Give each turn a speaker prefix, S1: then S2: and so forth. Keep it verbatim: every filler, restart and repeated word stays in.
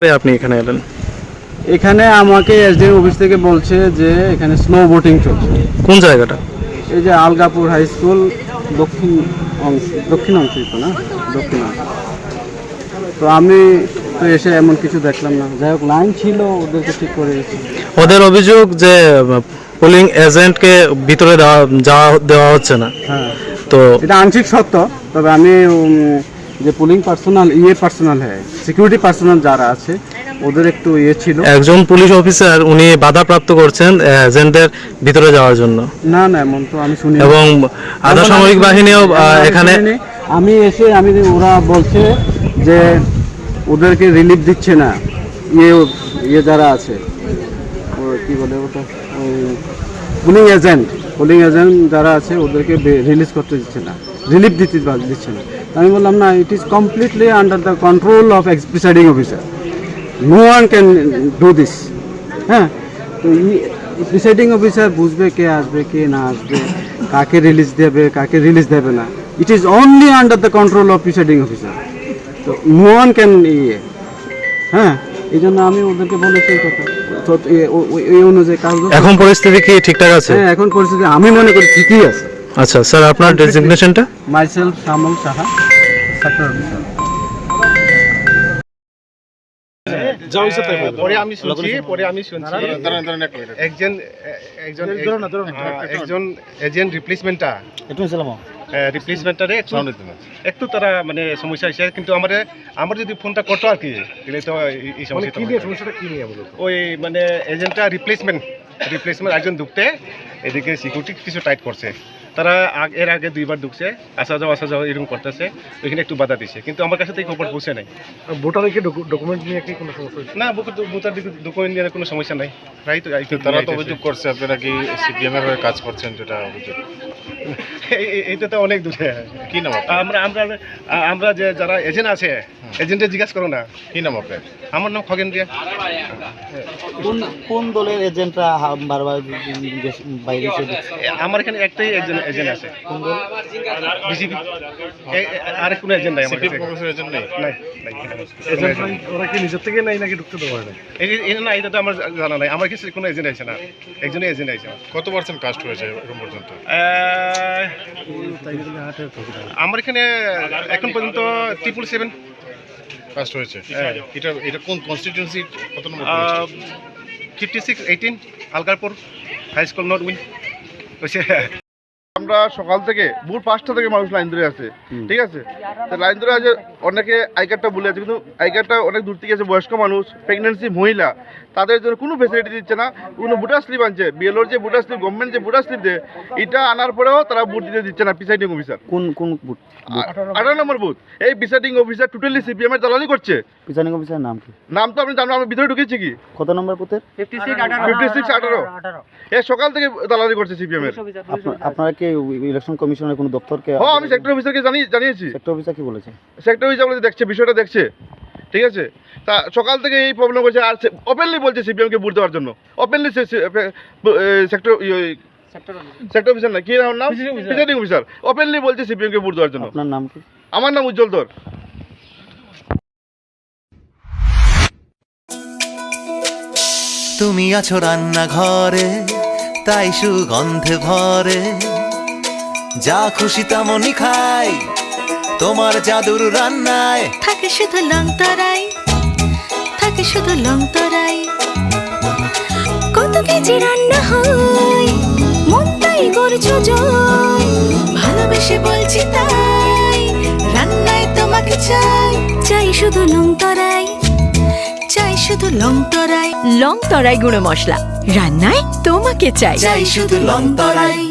S1: আপনি এখানে এলেন?
S2: এখানে আমাকে এসডি অফিস থেকে বলছে যে এখানে স্নো বোটিং চলছে।
S1: কোন জায়গাটা?
S2: এই যে আলগাপুর হাই স্কুল দক্ষিণ অংশ, দক্ষিণ অংশই তো না, দক্ষিণ অংশ। তো আমি তো এসে এমন কিছু দেখলাম না। যাই হোক, লাইন ছিল, ওদেরকে ঠিক করে দিয়েছি।
S1: ওদের অভিযোগ যে পোলিং এজেন্টকে ভিতরে দেওয়া যাওয়া দেওয়া হচ্ছে না।
S2: হ্যাঁ,
S1: তো
S2: এটা আংশিক সত্য। তবে আমি উম, যে পুলিং পার্সোনাল ইয়ে পার্সোনাল হ্যাঁ সিকিউরিটি পার্সোনাল যারা আছে ওদের একটু ইয়ে ছিল।
S1: একজন পুলিশ অফিসার উনি বাধাপ্রাপ্ত করছেন এজেন্টদের ভিতরে যাওয়ার জন্য।
S2: না না, এমন তো আমি শুনি।
S1: এবং আধা সামরিক বাহিনীও এখানে
S2: আমি এসে আমি ওরা বলছে যে ওদেরকে রিলিফ দিচ্ছে না, ইয়ে ইয়ে যারা আছে ও কি বলে ওটা পুলিং এজেন্ট পুলিং এজেন্ট যারা আছে ওদেরকে রিলিজ করতে দিচ্ছে না, রিলিফ দিতে দিচ্ছে না। আমি বললাম না, it is completely under the control of presiding officer, no one can do this. হ্যাঁ, তো প্রিসাইডিং অফিসার বুঝবে কে আসবে কে না আসবে, কাকে রিলিজ দেবে কাকে রিলিজ দেবে না। It is only under the control of presiding officer, তো নো ওয়ান ক্যান ইয়ে। হ্যাঁ, এই জন্য আমি ওদেরকে বলেছি এই কথা। তো এই অনুযায়ী কাজ।
S1: এখন পরিস্থিতি কি ঠিকঠাক আছে?
S2: হ্যাঁ, এখন পরিস্থিতি আমি মনে করি ঠিকই আছে।
S1: আচ্ছা স্যার, আপনার ডেজিগনেশনটা?
S2: Myself Shyamal Saha, sector officer.
S3: পরে আমি শুনছি পরে আমি শুনছি একজন একজন একজন এজেন্ট রিপ্লেসমেন্টটা রিপ্লেসমেন্টারে একটু তারা মানে সমস্যা হয়েছে, কিন্তু আমার আমার যদি ফোনটা করতো আর কি তাহলে তো এই সমস্যাটা ওই মানে এজেন্টটা রিপ্লেসমেন্ট রিপ্লেসমেন্ট একজন ঢুকতে এদিকে সিকিউরিটি কিছু টাইট করছে। তারা এর আগে দুইবার ঢুকছে, আসা যাওয়া আসা যাওয়া এরকম করতেছে, ওইখানে একটু বাধা দিচ্ছে, কিন্তু আমার কাছে তো এই খবর পৌঁছে নাই।
S4: ভোটার কি ডকুমেন্ট নিয়ে কি কোনো সমস্যা হচ্ছে?
S3: না, ভোটার ডকুমেন্ট নিয়ে কোনো সমস্যা নাই। রাইট,
S5: তারা তো অভিযোগ করছে আপনারা কি সিপিএম এর হয়ে কাজ করছেন, যেটা অভিযোগ।
S3: এইটা তো অনেক দূরে।
S5: কি নাম
S3: আমরা আমরা আমরা যে যারা এজেন্ট আছে এজেন্টে জিজ্ঞাসা করো না।
S5: কি নাম আপনার?
S3: আমার নাম খগেন রিয়া।
S6: কোন কোন দলের এজেন্টরা বারবার বাইরে এসে দেখছে?
S3: আমার এখানে একটাই একজন এজেন্ট আছে।
S6: কোন দল?
S3: বিজেপি। আর কোনো এজেন্ট নাই আমার কাছে।
S5: সিপিএম এজেন্ট নেই?
S3: নাই নাই।
S4: এজেন্ট ওরা কি নিজের থেকে নাই নাকি ঢুকতে দেওয়া হয় না?
S3: এই এই না, এটা তো আমার জানা নাই। আমার কাছে কোনো এজেন্ট আছে না, একজনই এজেন্ট আছে।
S5: কত পার্সেন্ট কাস্ট হয়েছে এখন পর্যন্ত?
S3: আমার এখানে এখন পর্যন্ত ট্রিপল সেভেন
S5: কাস্ট হয়েছে। এটা এটা কোন কনস্টিটিউয়েন্সি কত নম্বর?
S3: Fifty six eighteen Algarpur high school north wing.
S7: আমরা সকাল থেকে ভোর পাঁচটা থেকে মানুষ লাইন ধরে আছে, ঠিক আছে। তো লাইন ধরে আছে, অনেকে আই কার্ডটা ভুলে আছে, কিন্তু আই কার্ডটা অনেক দূর থেকে আছে। বয়স্ক মানুষ, প্রেগনেন্সি মহিলা, তাদের জন্য কোনো ফেসিলিটি দিচ্ছে না। কোনো ভোটার স্লিপ আনছে, বিএলওর যে ভোটার স্লিপ, গভর্নমেন্ট যে ভোটার স্লিপ দেয়, এটা আনার পরেও তারা ভোট দিতে দিচ্ছে না প্রিসাইডিং অফিসার।
S6: কোন কোন বুথ?
S7: আঠারো নম্বর বুথ। এই প্রিসাইডিং অফিসার টোটালি সিপিএম এর দালালি করছে।
S6: প্রিসাইডিং অফিসারের নাম কি?
S7: নাম তো আপনি জানো, আমি ভিতরে ঢুকেছি কি।
S6: কত নম্বর বুথের?
S7: ফিফটি সিক্স আঠারো। এ সকাল থেকে দালালি করছে সিপিএম এর।
S6: আপনারা কি ইলেকশন কমিশনের কোনো দপ্তরকে?
S7: হ্যাঁ, আমি সেক্টর অফিসারকে জানি জানিয়েছি।
S6: সেক্টর অফিসার কি বলেছে?
S7: সেক্টর অফিসার বলে দেখছে, বিষয়টা দেখছে, ঠিক আছে। তা সকাল থেকে এই প্রবলেম করছে, আর ওপেনলি বলছে সিপিএমকে ভোট দেওয়ার জন্য। ওপেনলি সেক্টর সেক্টর অফিসার না, কি নাম? প্রিসাইডিং অফিসার ওপেনলি বলছে সিপিএমকে ভোট দেওয়ার জন্য।
S6: আপনার নাম কি?
S7: আমার নাম উজ্জ্বল ধর।
S8: তুমি আছো রান্নাঘরে, তাই সুগন্ধে ভরে, যা খুশি তেমনই খাই, তোমার জাদুর রান্নায়
S9: থাকে শুধু লং তরাই, থাকে শুধু লং তরাই। কত কেজি রান্না হয়, মন তাই করছো জয়, ভালোবেসে বলছি তাই, রান্নায় তোমাকে চাই, চাই শুধু লং তরাই, চাই শুধু লং তরাই। লং তরাই গুঁড়ো মশলা, রান্নায় তোমাকে চাই, চাই শুধু লং তরাই।